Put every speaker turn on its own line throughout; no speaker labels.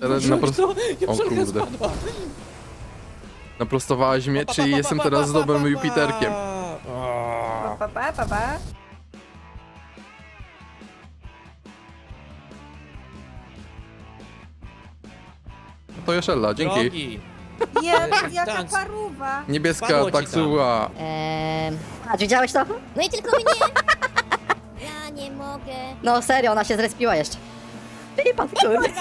Teraz O kurde. Naprostowałaś mnie, czyli jestem teraz dobrym Jupiterkiem.
Pa, pa, pa, pa.
To Jeszella, dzięki.
Drogi.
Jaka
Dans.
paruwa.
Niebieska
Spadło ci
taksuła.
A widziałeś to?
No i tylko mnie. Ja nie mogę.
No serio, ona się zrespiła jeszcze. Ty pan kurde.
Look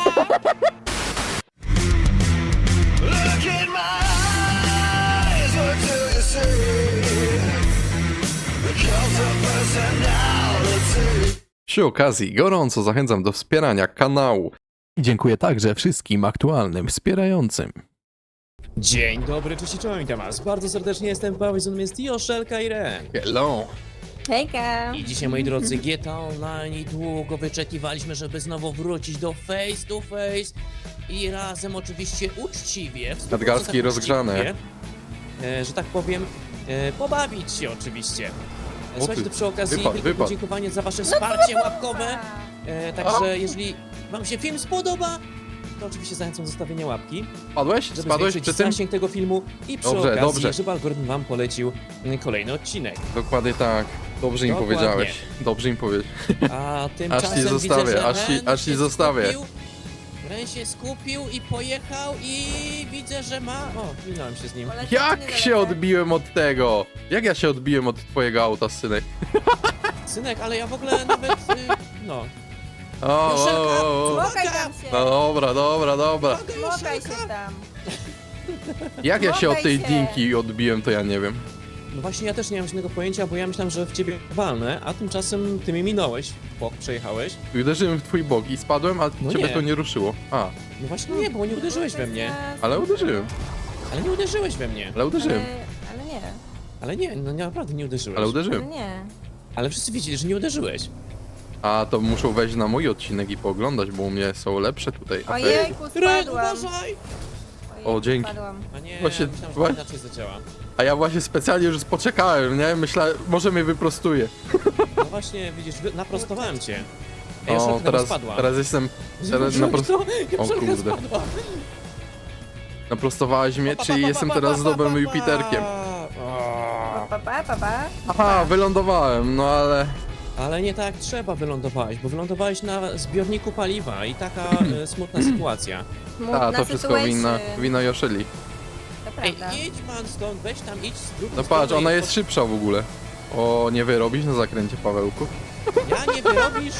in my eyes, what do you see? The cult of personality.
Przy okazji gorąco zachęcam do wspierania kanału. I dziękuję także wszystkim aktualnym wspierającym.
Dzień dobry, cześć i czołem, witam was. Bardzo serdecznie jestem Paweł, ze mną jest Joszelka i Ren.
Hello.
Hejka.
I dzisiaj, moi drodzy, GTA Online długo wyczekiwaliśmy, żeby znowu wrócić do face to face i razem oczywiście uczciwie, w 100%
Nadgarstki rozgrzane.
uczciwie, że tak powiem, pobawić się oczywiście. Słuchajcie, to przy okazji wielkie
wypad.
podziękowanie za wasze wsparcie łapkowe. Także jeżeli wam się film spodoba, to oczywiście zachęcam do zostawienia łapki,
Spadłeś?
żeby
Spadłeś
zwiększyć
przy tym?
zasięg tego filmu i przy
Dobrze,
okazji,
dobrze.
żeby algorytm wam polecił kolejny odcinek.
Dokładnie tak. Dobrze im
Dokładnie.
powiedziałeś. Dobrze im powiedziałeś.
A tymczasem
ci zostawię,
widzę, że
aż ci zostawię.
Ren się skupił i pojechał i widzę, że ma... O, minąłem się z nim.
Jak się odbiłem od tego? Jak ja się odbiłem od twojego auta, synek?
Synek, ale ja w ogóle nawet... no.
O,
Joszelka,
Smokaj tam się.
No dobra, dobra, dobra.
Smokaj się tam.
Jak ja się od tej
Smokaj się.
dinki odbiłem, to ja nie wiem.
No właśnie, ja też nie mam żadnego pojęcia, bo ja myślałem, że w ciebie walnę, a tymczasem ty mnie minąłeś, bok przejechałeś.
I uderzyłem w twój bok i spadłem, a
No
ciebie
nie.
to nie ruszyło. A,
No właśnie nie, bo nie uderzyłeś we mnie.
ale uderzyłem.
Ale nie uderzyłeś we mnie.
Ale uderzyłem.
Ale nie.
Ale nie, no naprawdę nie uderzyłeś.
Ale
Ale
uderzyłem.
nie.
Ale wszyscy widzieli, że nie uderzyłeś.
A to muszą wejść na mój odcinek i pooglądać, bo u mnie są lepsze tutaj. A ty?
Ojejku,
Ren,
spadłam.
uważaj!
Ojejku,
O, dzięki.
Spadłam.
A nie,
Właśnie-
myślałem, że to inaczej zadziała.
A ja właśnie specjalnie już poczekałem, nie? Myślałem, może mnie wyprostuje.
No właśnie, widzisz, naprostowałem cię. Ej,
O,
Joszelka tam
teraz,
spadła.
teraz jestem... Teraz O kurde.
Spadła.
Naprostowałaś mnie, czyli jestem teraz dobrym Jupiterkiem.
Pa, pa, pa, pa.
Aha, wylądowałem, no ale...
Ale nie tak trzeba wylądowałeś, bo wylądowałeś na zbiorniku paliwa i taka smutna sytuacja.
A, to wszystko wina Joszeli.
To
Ej,
prawda.
idź pan stąd, weź tam, idź z drugiej
No patrz,
strony
ona
i
jest szybsza w ogóle. O, nie wyrobisz na zakręcie, Pawełku?
Ja nie wyrobisz?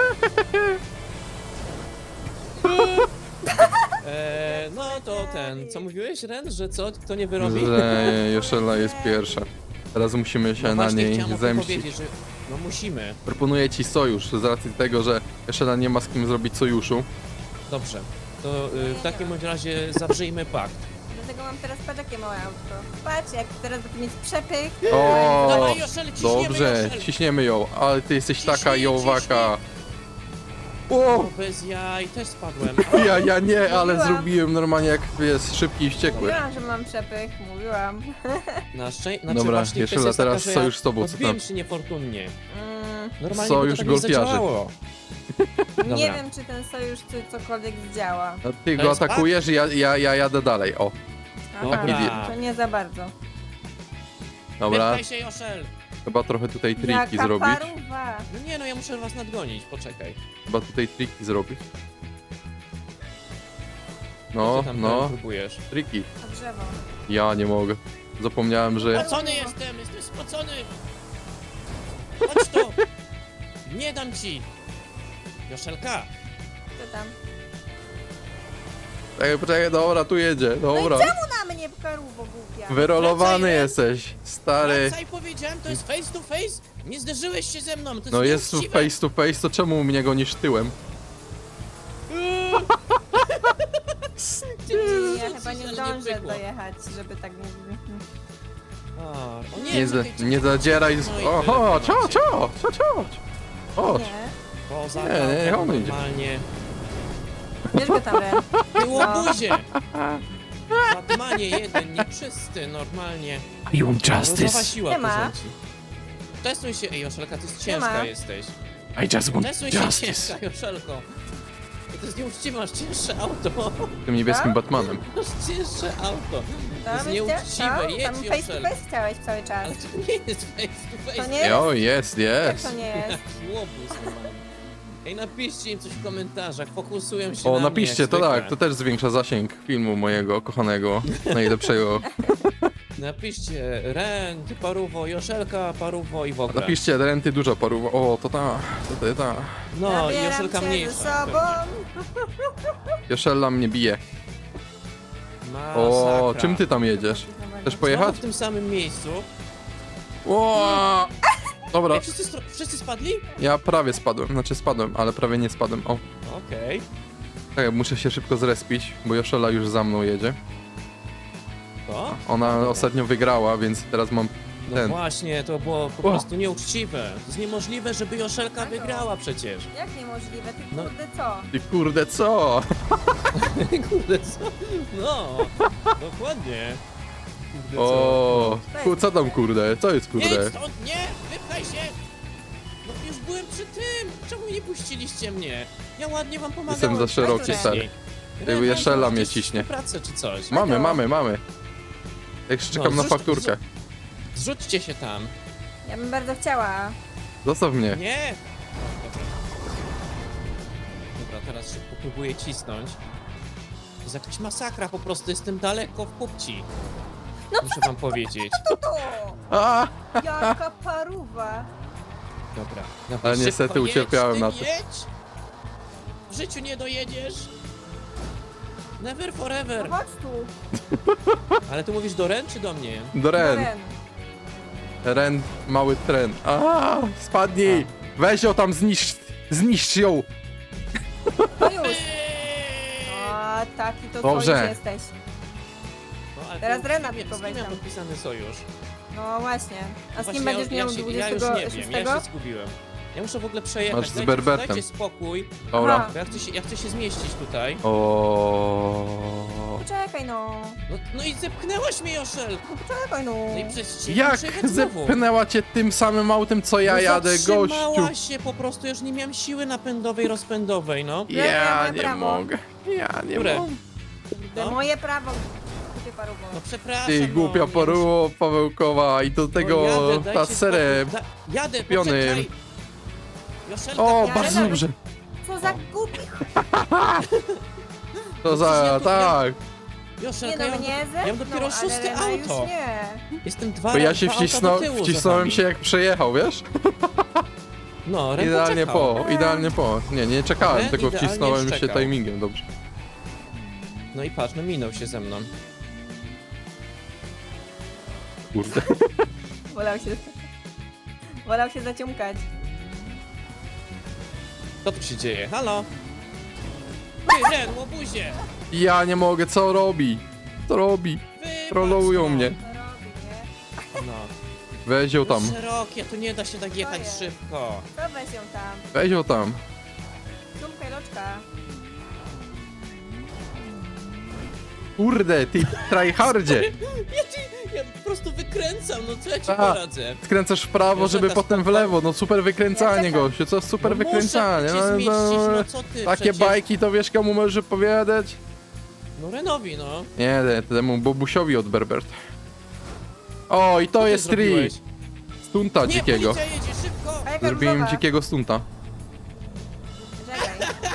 No to co mówiłeś, Ren, że co, kto nie wyrobi?
Że Joszela jest pierwsza. Teraz musimy się
No
na
właśnie
niej
chciałem o tym
zemścić.
powiedzieć, że no musimy.
Proponuję ci sojusz, z racji tego, że Joszela nie ma z kim zrobić sojuszu.
Dobrze, to w takim bądź razie zawrzyjmy pakt.
Dlatego mam teraz patrz jakie małe autko. Patrz, jak teraz będę mieć przepych.
O,
Dawaj, Joszel, ciśniemy,
dobrze,
Joszel.
ciśniemy ją, ale ty jesteś taka
Ciśnij,
jowaka.
O,
O,
bez jaj, też spadłem.
ja nie, ale
Mówiłam.
zrobiłem normalnie jak jest szybki i wściekły.
Mówiłam, że mam przepych. Mówiłam.
Na szczęście,
Dobra,
właśnie
Jeszela,
kwestia jest
teraz
taka, że
sojusz z tobą, co
odbiłem
tam?
się niefortunnie.
Mm,
Normalnie
Sojusz
by to tak
golfiarzy.
nie zadziałało.
nie
Dobra.
wiem, czy ten sojusz cokolwiek zdziała.
No, ty
To
go
jest
atakujesz i ja jadę dalej, o.
Dobra.
Aha, to nie za bardzo.
Dobra,
Wypchaj się, Joszel.
chyba trochę tutaj triki
Jaka
zrobić.
paruwa.
No nie, no ja muszę was nadgonić, poczekaj.
Chyba tutaj triki zrobić.
Co
No,
ty tam
no,
próbujesz?
triki.
A drzewo.
Ja nie mogę. Zapomniałem, że...
Spocony jestem spocony! Chodź tu! Nie dam ci! Joszelka!
Co tam?
Poczekaj, dobra, tu jedzie, dobra.
Na mnie paruwo głupia.
Wyrolowany
Wracaj,
jesteś, stary.
Wracaj, powiedziałem, to jest face to face! Nie zderzyłeś się ze mną, to jest
No jest tu
nieuczciwe.
face to face, to czemu mnie gonisz tyłem?
Ja chyba nie
Ale
zdążę
pykło.
dojechać, żeby tak mówić.
O
Nie,
czekaj,
nie zadzieraj z...
No i
Oho,
tyle w temacie.
Chodź.
Nie.
Poza
Nie, on idzie.
normalnie.
Bierz go tam, Ren.
Ty
No.
łobuzie! Batmanie jeden, nieczysty, normalnie. Różowa siła
Nie
tu
ma.
rządzi. Testuj się, ej Joszelka, ty jest
Nie ma.
ciężka jesteś.
I just want
Testuj się ciężka, Joszelko. To jest nieuczciwe, masz cięższe auto.
Tym niebieskim
Tak?
Batmanem.
Masz cięższe auto. To jest
Tam
nieuczciwe,
tam
jedź
face to
Joszel.
face chciałeś cały czas.
Ale to nie jest face to face.
To nie?
O, jest,
Jak
jest.
to nie jest?
Jaki łobuz normalnie. Ej, napiszcie im coś w komentarzach, fokusują się
O,
na
napiszcie,
mnie,
to
jak
tak,
zwykle.
to też zwiększa zasięg filmu mojego kochanego, najlepszego.
Napiszcie Ren, ty paruwo, Joszelka, paruwo i w ogóle.
Napiszcie, renty dużo paruwa. O, to ta.
No, i
Zabieram
Joszelka
cię
mniejsza.
ze sobą.
Joszella mnie bije.
Masakra.
O, czym ty tam jedziesz? Chcesz pojechać?
Znowu w tym samym miejscu.
O! Dobra,
Ej, wszyscy spadli?
ja prawie spadłem, znaczy spadłem, ale prawie nie spadłem. O,
Okej.
tak, muszę się szybko zrespić, bo Joszella już za mną jedzie.
To?
Ona ostatnio wygrała, więc teraz mam
No
ten.
właśnie, to było po
O.
prostu nieuczciwe. To jest niemożliwe, żeby Joszelka wygrała przecież.
Jak niemożliwe? Ty
No.
kurde co?
Ty kurde, co?
Kurde, co? No, dokładnie. Kurde, co?
O, co tam kurde? Co jest
Nie,
kurde?
stąd, nie! Wypchaj się! No już byłem przy tym! Czemu nie puściliście mnie? Ja ładnie wam pomagałem.
Jestem za szeroki,
Wcześniej.
stary.
Ren,
Jeszela
mam
mnie
jakieś
ciśnie.
współpracę czy coś.
Mamy. Jak czekam na
zrzuć-
fakturkę.
Zrzućcie się tam.
Ja bym bardzo chciała.
Zostaw mnie.
Nie! Dobra. Dobra, teraz szybko próbuję cisnąć. To jest jakaś masakra, po prostu jestem daleko w pupci. Muszę wam powiedzieć.
To!
A!
Jaka paruwa!
Dobra.
Ale
szybko
niestety
jedź,
ucierpiałem
ty
na tym.
jedź! W życiu nie dojedziesz! Never forever!
No chodź tu!
Ale ty mówisz do Ren czy do mnie?
Do Ren.
Ren.
Ren, mały tren. A! Spadnij! Weź ją tam, zniszcz ją!
No już! O, taki to
Dobrze.
sojusz jesteś.
No, ale
Teraz
to
Rena
z kim
tylko
ja
weź tam.
podpisany sojusz?
No właśnie. A z
Właśnie
kim będziesz miał
ja już nie
26?
wiem, ja się zgubiłem. Ja muszę w ogóle przejechać.
Masz z Berbertem.
Dajcie spokój,
Dobra.
Aha.
bo ja chcę się zmieścić tutaj.
O.
Poczekaj no.
No i zepchnęłaś mnie, Joszel!
Poczekaj no.
No i przez ciebie
Jak
przejechać znowu.
zepchnęła cię tym samym autem, co ja
No
jadę, gościu?
zatrzymała się po prostu, już nie miałem siły napędowej, rozpędowej, no.
Ja
moje
nie
prawo.
mogę. Ja nie
Które?
mogę.
To
No,
moje prawo. Ty paruwo.
no przepraszam,
Ty głupia
no,
poruło Pawełkowa i do tego
dajcie
ta serę.
spokój. Jadę,
kupiony.
poczekaj! Joszelka,
O,
ja
bardzo
jadę.
dobrze.
Co za głupi.
To za,
Przecież ja tu-
tak.
Nie
Joszelka,
no,
ja mam,
nie
ja mam dopiero
ale
szóste
Rena
auto.
już nie.
Jestem dwa
Bo ja się
dwa auta do tyłu za
wcisnąłem
wami.
się jak przejechał, wiesz?
No, Ren
Idealnie
poczekał.
idealnie po. Nie czekałem,
Ren
tylko
idealnie
wcisnąłem się
szczekał.
timingiem, dobrze.
No i patrz, no minął się ze mną.
Kurde.
Wolał się zaciumkać.
Co tu się dzieje? Halo? Ty, Ren, łobuzie!
Ja nie mogę, co robi? Co robi?
Wybacz,
Trollują
no.
mnie.
To robi, nie?
No.
Weź ją tam.
Szerokie, tu nie da się tak jechać
jest?
szybko.
To weź ją tam.
Weź ją tam.
Ciumkaj loczka.
Kurde, ty tryhardzie.
Ja po prostu wykręcam, no co ja ci
A.
poradzę?
Skręcasz w prawo, żeby
Joszelka,
potem w
stop,
lewo. No super wykręcanie,
Ja czekam.
gościu. Co super
No
wykręcanie.
muszę cię zmieścić, no co ty?
Takie
przecież...
bajki to wiesz komu możesz opowiadać?
No Renowi, no.
Nie, temu Bobusiowi od Berbert. O, i to
Co ty
jest
zrobiłeś?
stunta
Nie,
dzikiego.
policja jedzie, szybko!
A jaka
Zrobiłem
różowa?
dzikiego stunta.
Czekaj.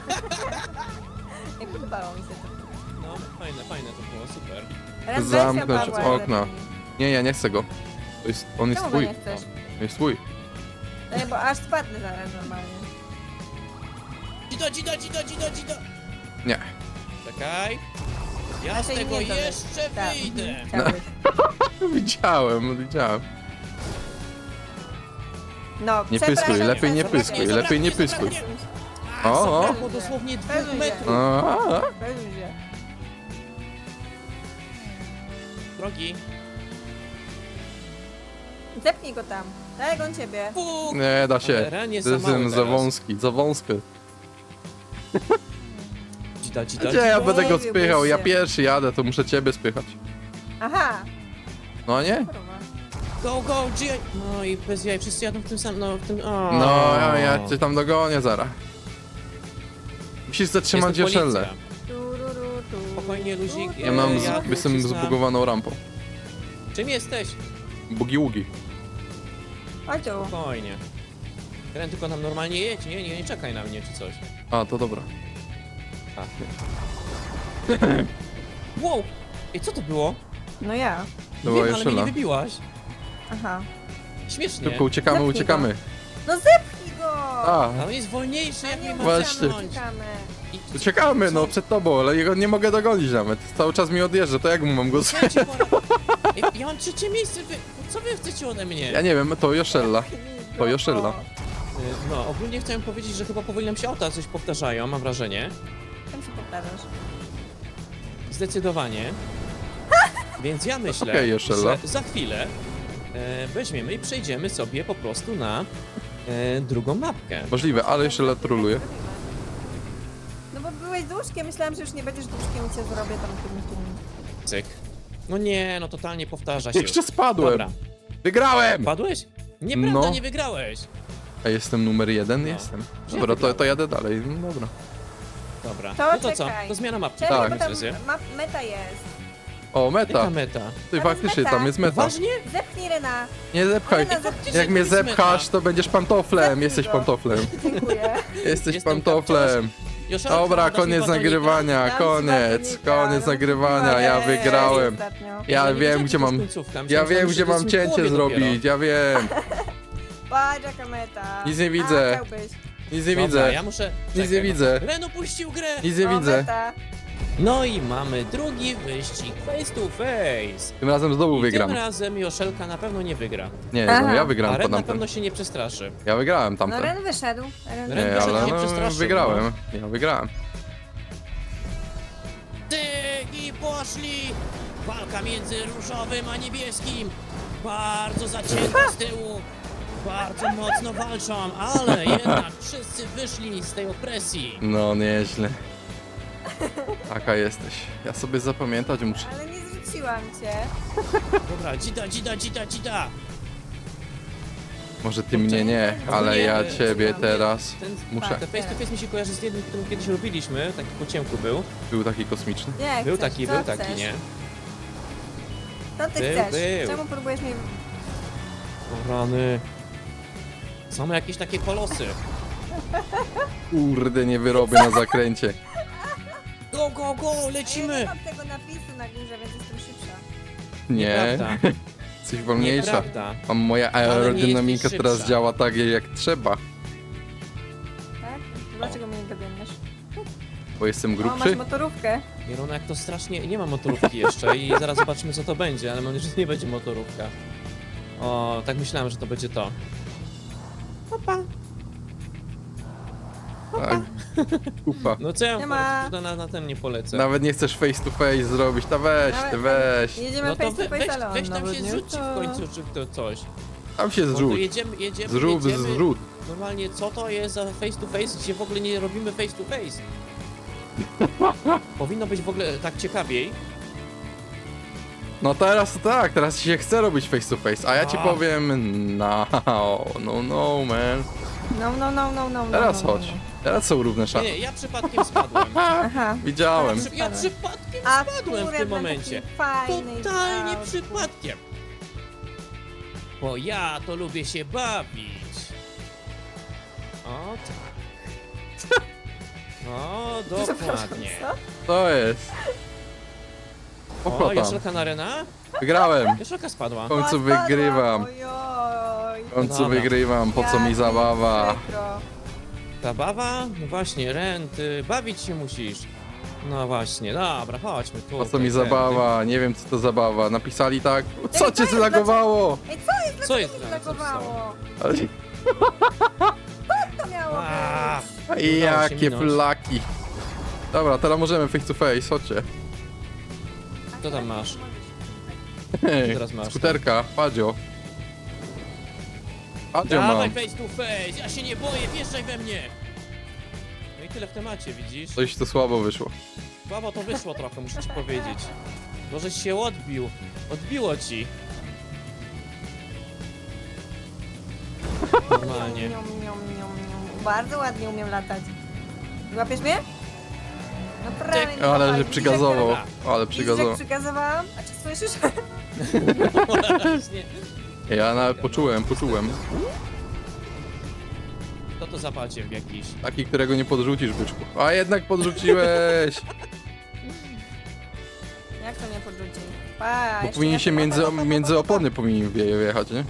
Nie podobało mi się to.
No, fajne to było, super.
Teraz weź
Zamknąć
ją, Pawła,
okna.
lepiej.
Nie, ja nie chcę go. On jest
Czemu go
twój.
nie chcesz?
On jest twój.
No nie, bo aż spadnę zaraz normalnie.
Dzido!
Nie.
Czekaj. Ja
A
z
się
tego
nie to
jeszcze
Tak,
wyjdę.
chciałbyś.
Widziałem.
No,
Nie
przepraszam,
pyskuj, lepiej nie
przepraszam.
pyskuj, lepiej nie pyskuj.
A,
O.
zabrakło dosłownie 2
Pewnie.
metrów.
A,
Będzie.
Drogi.
Zepnij go tam. Daj on ciebie.
Puk.
nie da się.
Ale Ren jest
To jest
za mały
za
teraz.
wąski, za wąskie.
Dzida.
Gdzie ja będę go
Bawiłbyś
spychał? Ja
się.
pierwszy jadę, to muszę ciebie spychać.
Aha.
No nie?
Kurwa.
Go, G. No i bez jaj, wszyscy jadą w tym samym, no w tym... O.
No, ja cię tam dogonię zaraz. Musisz zatrzymać
Jestem
Joszelę.
policja.
Tururu, tu.
Spokojnie, luzik.
Ja mam,
Ja
jestem
tu przyznam.
zbugowaną rampą.
Czym jesteś?
Bugi-ługi.
Chodź tu.
Spokojnie. Ren, tylko nam normalnie jedź, nie czekaj na mnie czy coś.
A, to dobra.
Wow! Ej, co to było?
No ja.
To była
Wiem, ale mnie nie
Joszel'a.
wybiłaś.
Aha.
Śmiesznie.
Szybko uciekamy,
Zepnij
uciekamy.
No zepchnij go!
A,
Ale on jest wolniejszy, jak
A
mnie
nie
ma
Właśnie.
zepchnąć.
uciekamy.
I-
uciekamy, no
Co?
przed tobą, ale jego nie mogę dogonić nawet. Cały czas mi odjeżdża, to jak mu mam go z...
Ja ci poradzę. Ej, ja mam trzecie miejsce, co wy chcecie ode mnie?
Ja nie wiem, to Joszel'a.
Zepchnij
To
go.
Joszel'a.
No, ogólnie chciałem powiedzieć, że chyba powoli nam się auta coś powtarzają, mam wrażenie.
Tam się powtarzasz.
Zdecydowanie. Więc ja myślę,
Okej, Joszel'a.
że za chwilę weźmiemy i przejdziemy sobie po prostu na drugą mapkę.
Możliwe, ale Joszel'a troluje.
No bo byłeś duszkiem, myślałam, że już nie będziesz duszkiem i cię zrobię tam tym.
Cyk. No nie, no totalnie powtarza się.
Jeszcze spadłem!
Dobra.
Wygrałem!
Padłeś? Nieprawda,
No.
nie wygrałeś.
A jestem numer 1?
No.
Jestem.
Że
Dobra, to
wygrałem.
jadę dalej. No dobra.
Dobra.
To
No to co?
czekaj.
To zmiana mapki.
Czekaj,
Tak.
bo tam
Razie.
meta jest.
O,
Jaka
meta.
meta?
Ty
Tam
faktycznie,
jest meta.
tam jest meta.
Ważnie?
Zepchnij Rena.
Nie zepchaj.
Rena, zepchnij.
Jak mnie
to jest
zepchasz,
meta.
to będziesz pantoflem.
Zepchnij
Jesteś
go.
pantoflem.
Dziękuję.
Jesteś
Jestem
pantoflem.
Joszelka,
Dobra,
dasz mi
koniec
batonika?
nagrywania,
Dam ci
koniec.
batonika,
Koniec
no
nagrywania, ja
mówiłem.
wygrałem.
Ostatnio.
Ja
nie
wiem,
wiedziałem,
gdzie
że to
mam...
jest końcówka.
Ja
Myślałem,
wiem,
że
gdzie
to jest
mam
w
cięcie
połowie
zrobić, ja wiem.
Patrz jaka meta.
Nic nie widzę.
A, chciałbyś.
Nic nie
Dobra,
widzę.
ja muszę...
Nic nie
Czekaj,
widzę.
Ren opuścił grę!
Nic nie
O,
widzę.
Meta.
No i mamy drugi wyścig face to face.
Tym razem znowu
I
wygram.
tym razem Joszelka na pewno nie wygra.
Nie,
Aha.
no ja
A
wygrałem
Ren
po
na
tamten.
pewno się nie przestraszy.
Ja wygrałem
No
tamten.
Ren wyszedł. Ren
Ren
Nie,
wyszedł,
ale
nie
no,
przestraszył,
wygrałem. Ja wygrałem.
I poszli! Walka między różowym a niebieskim. Bardzo zacięta z tyłu. Bardzo mocno walczą, ale jednak wszyscy wyszli z tej opresji.
No, nieźle. Taka jesteś. Ja sobie zapamiętać muszę.
Ale nie zrzuciłam cię.
Dobra, dzida.
Może ty mnie nie, ale ja ciebie teraz
Ten
muszę.
Te face to face mi się kojarzy z jednym, którym kiedyś robiliśmy, taki po ciemku był.
Był taki kosmiczny.
Nie,
Był
chcesz,
taki,
co
był
chcesz?
taki, nie?
Co ty
Był,
chcesz?
był.
Czemu próbujesz mnie...
O rany. Są jakieś takie kolosy.
Kurde, nie wyrobię na zakręcie.
Go,
Ja nie
lecimy!
mam tego napisu na górze, więc jestem szybsza.
Nie,
Nieprawda.
coś wolniejsza.
Nieprawda.
Mam moja
Ale nie
aerodynamika
jesteś
teraz
szybsza.
działa tak jak trzeba.
Tak? Dlaczego mnie nie dogoniesz?
Bo jestem
O, masz
grubszy.
motorówkę.
Mirona, jak to strasznie... Nie ma motorówki jeszcze i zaraz zobaczymy co to będzie, ale mam nadzieję, że nie będzie motorówka. O, tak myślałem, że to będzie to. Opa.
Tak. Ufa.
No co ja
Nie ma.
na ten nie polecę.
Nawet nie chcesz face to face zrobić, to weź, ty
Nawet-
weź.
Jedziemy
No to
face to face, ale on
weź tam
nawet
się
nie
zrzuci
to.
w końcu, czy to coś.
Tam się
Bo to
zrzuć.
jedziemy,
Zrób,
jedziemy.
zrzut.
Normalnie co to jest za face to face, gdzie w ogóle nie robimy face to face? Powinno być w ogóle tak ciekawiej.
No teraz to tak, teraz ci się chce robić face to face, a ja ci
A.
powiem no, no man.
No.
Teraz chodź. Teraz są równe
Nie,
szanse.
nie, ja przypadkiem spadłem.
Aha.
Widziałem.
Ja przypadkiem
A
spadłem w tym momencie.
Fajnej
Totalnie
auto.
przypadkiem. Bo ja to lubię się bawić. O tak. O, dokładnie.
Co?
To jest.
O,
Pochlotam.
Joszelka na Rena?
Wygrałem.
Joszelka spadła.
W końcu
Spadłam,
wygrywam.
Ojoj.
W końcu
Dobra.
wygrywam, po co mi
Jak
zabawa.
przykro.
Zabawa? No właśnie, Ren, ty bawić się musisz. No właśnie, dobra, chodźmy tu.
Po co mi zabawa? Nie wiem co to zabawa. Napisali tak. Co cię
jest?
zlagowało?
Ej, co jest?
Co jest
Mi
Ren? Co się stało?
zlagowało?
Ale-
To miało
A,
być.
się
Jakie
minąć.
flaki. Dobra, teraz możemy face to face, chodźcie.
Co tam masz?
Hej,
teraz masz?
skuterka, Padzio. Padzio
Dawaj
mam.
face to face, ja się nie boję, wjeżdżaj we mnie. No i tyle w temacie, widzisz?
Coś to słabo wyszło.
Słabo to wyszło trochę, muszę ci powiedzieć. Możeś się odbił. Odbiło ci. Normalnie.
Niom. Bardzo ładnie umiem latać. Łapiesz mnie? No prawie nie
Ale że
dawaj.
przygazował. Ale
Widzisz, jak
przygazował.
przygazowałam? A czy słyszysz?
Właśnie.
Ja nawet poczułem.
To to zapalcie w jakiś.
Taki, którego nie podrzucisz, byczku. A jednak podrzuciłeś!
Jak to nie podrzuci? Pa,
Bo
jeszcze
powinien
ja
się
tu-
między opony powinien wjechać, nie?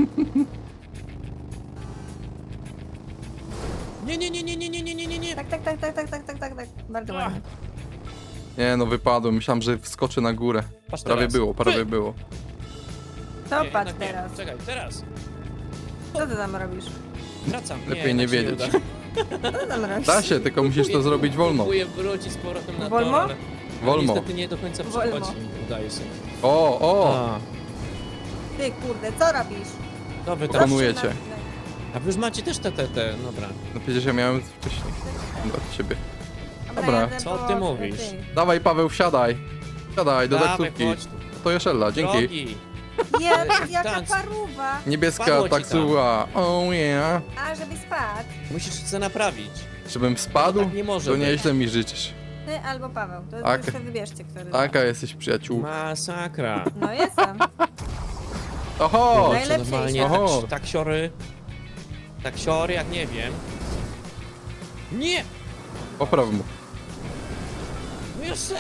Nie.
Tak. Bardzo ładnie.
Nie no, wypadłem. Myślałem, że wskoczę na górę.
Patrz
Prawie
teraz.
było, prawie było.
To
Nie,
patrz
jednak nie.
teraz.
Czekaj, teraz.
Co ty tam robisz?
Wracam.
Lepiej nie
jednak się
wiedzieć.
uda.
Co ty tam robisz?
Da się, tylko musisz to zrobić wolno.
Próbuję wrócić z powrotem na
Wolno?
tor, ale
Wolno.
niestety nie do końca
Wolno.
przychodzi. Udaje się.
O!
A,
Ty kurde, co robisz?
to wy tam.
Proponuję cię.
A wy już macie też te. Dobra.
No przecież ja miałem wcześniej. Od ciebie. Dobra.
jadę
Co
po-
ty mówisz?
Dawaj, Paweł, wsiadaj. Wsiadaj do
Dawaj,
taksówki.
chodź tu.
To Jeszella, dzięki.
Drogi.
Jaka
Tanc.
paruwa!
Niebieska
Wpadło ci
taksuwa. Oh yeah.
A, żeby spadł.
Musisz się naprawić.
Żebym spadł?
Tak nie może
To
być.
nieźle mi życzysz.
Ty albo Paweł. To
Tak.
już sobie wybierzcie, który.
Taka jesteś przyjaciół.
Masakra.
No jestem.
Oho!
Najlepsze
Kurczę, normalnie
Oho.
taksiory jak nie wiem. Nie!
Popraw mu.
No jeszcze!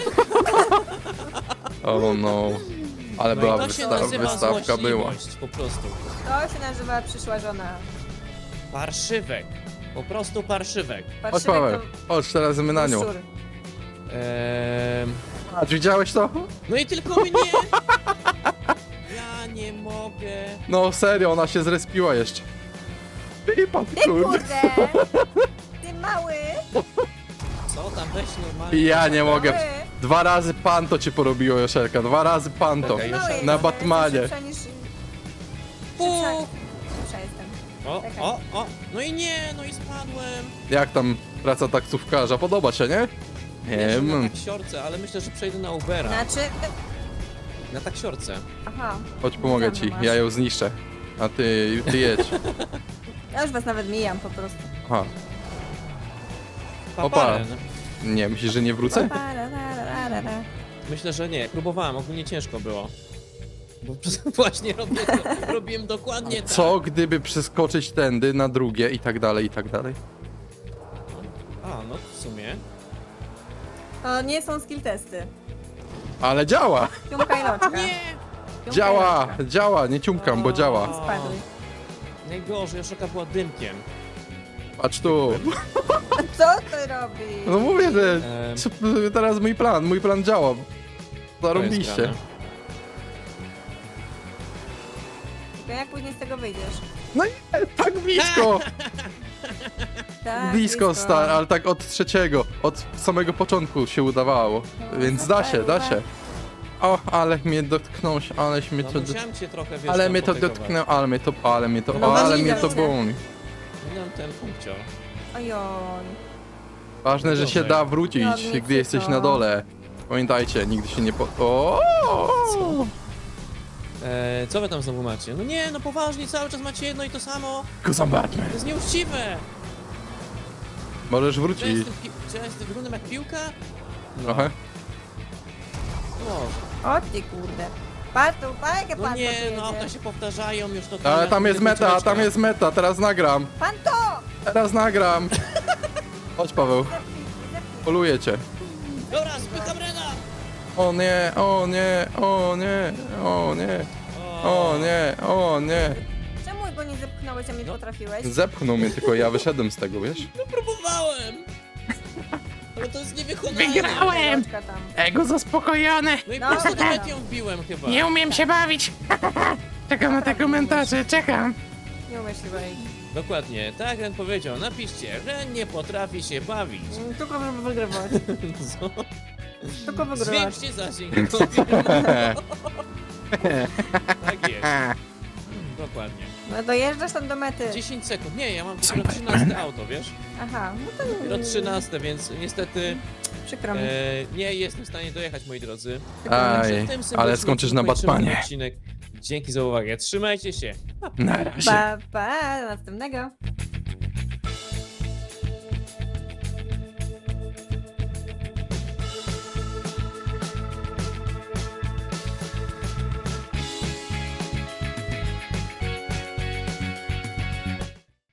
Oh no. Ale była
No i to się nazywa
wystawka była.
złośliwość, po prostu.
To się nazywa przyszła żona.
Parszywek. Po prostu parszywek.
Chodź
Patrzymy,
Paweł, chodź teraz my na nią.
szczur.
A czy widziałeś to?
No i tylko mnie! Ja nie mogę.
No serio, ona się zrespiła jeszcze. Wypadł,
Ty
kurde.
kurde! Ty mały!
Co tam weź normalnie?
Ja nie mogę.
Mały!
2 razy panto cię porobiło, Joszelka. 2 razy panto.
Czekaj,
Mały
Joszelka.
Na
jestem,
Batmanie.
jestem szybsza niż... Szybsza jestem.
O, no i nie, no i spadłem.
Jak tam praca taksówkarza? Podoba się, nie?
Wiesz,
Nie
na
wiem.
taksiorce, ale myślę, że przejdę na Ubera.
Znaczy...
Na taksiorce.
Aha.
Chodź, pomogę ci.
Masz.
Ja ją zniszczę. A ty jedź.
Ja już was nawet mijam po prostu.
Aha. Opa.
Paparen.
Nie, myślisz, że nie wrócę?
Myślę, że nie. Próbowałem, ogólnie ciężko było. Bo właśnie robiłem dokładnie tak.
Co gdyby przeskoczyć tędy na drugie i tak dalej, i tak dalej?
A, no w sumie.
To nie są skill testy.
Ale działa!
Ciumka i loczka.
Nie!
Ciumka i
Działa!
loczka.
Działa, nie ciumkam, bo działa.
Spadły.
Najgorzej, Joszelka była dymkiem.
Patrz tu.
Co ty robisz?
No mówię, że
Em.
teraz mój plan działa.
To jest
Zarobiliście.
grane.
Tylko jak później z tego wyjdziesz?
No i tak blisko!
Tak,
Blisko, ale tak od trzeciego, od samego początku się udawało. Więc da się, da się. O, ale mnie dotknąłeś, aleś mnie
No
to...
musiałem cię trochę, wiesz,
Ale
tam
mnie to
potykować.
dotknęło, ale mnie to,
No,
ale
no,
mnie
no,
to
no.
boli.
Minąłem ten punkcio.
Ojoj.
Ważne, że się
Gorzej.
da wrócić,
Ładnie
gdy jesteś
to.
na dole. Pamiętajcie, nigdy się nie O!
Co wy tam znowu macie? No nie, no poważnie, cały czas macie jedno i to samo.
Zobaczmy.
To jest nieuczciwe.
Możesz
Czy ja
wrócić
jestem wyglądam jak piłka? No.
trochę.
Może.
O ty kurde. Patrz tu, jakie
No
pan
nie,
to
no auta
jedzie.
się powtarzają już to.
Ale
ja
tam jest
nie
meta,
końcóweczka.
tam jest meta, teraz nagram.
Pan to!
Teraz nagram. Chodź Paweł, poluję cię.
Dobra, spycham Rena!
O nie, o nie, o nie, o nie, o nie, o nie.
Czemu go nie zepchnąłeś, a mnie
No.
potrafiłeś?
Zepchnął mnie, tylko ja wyszedłem z tego, wiesz?
No próbowałem! Ale to jest niewykonalne.
Wygrałem!
Loczka tam.
Ego zaspokojone!
No i
No,
prosto do
no.
mety ją wbiłem chyba.
Nie umiem się bawić! Czekam na te komentarze, czekam!
Nie umiesz chyba jej.
Dokładnie, tak jak Ren powiedział, napiszcie, Ren nie potrafi się bawić.
Tylko żeby wygrywać.
Co?
Tylko wygrywać.
Zwiększcie zasięg. Tak jest. Dokładnie.
No dojeżdżasz tam do mety.
10 sekund. Nie, ja mam dopiero 13 auto, wiesz?
Aha, no to
Dopiero 13, więc niestety
przykro mi.
nie jestem w stanie dojechać, moi drodzy.
Aj,
Także w tym
ale
symbolicznym
skończysz na
kończymy ten
Batmanie.
odcinek. Dzięki za uwagę. Trzymajcie się.
Na razie.
Pa, pa, do następnego.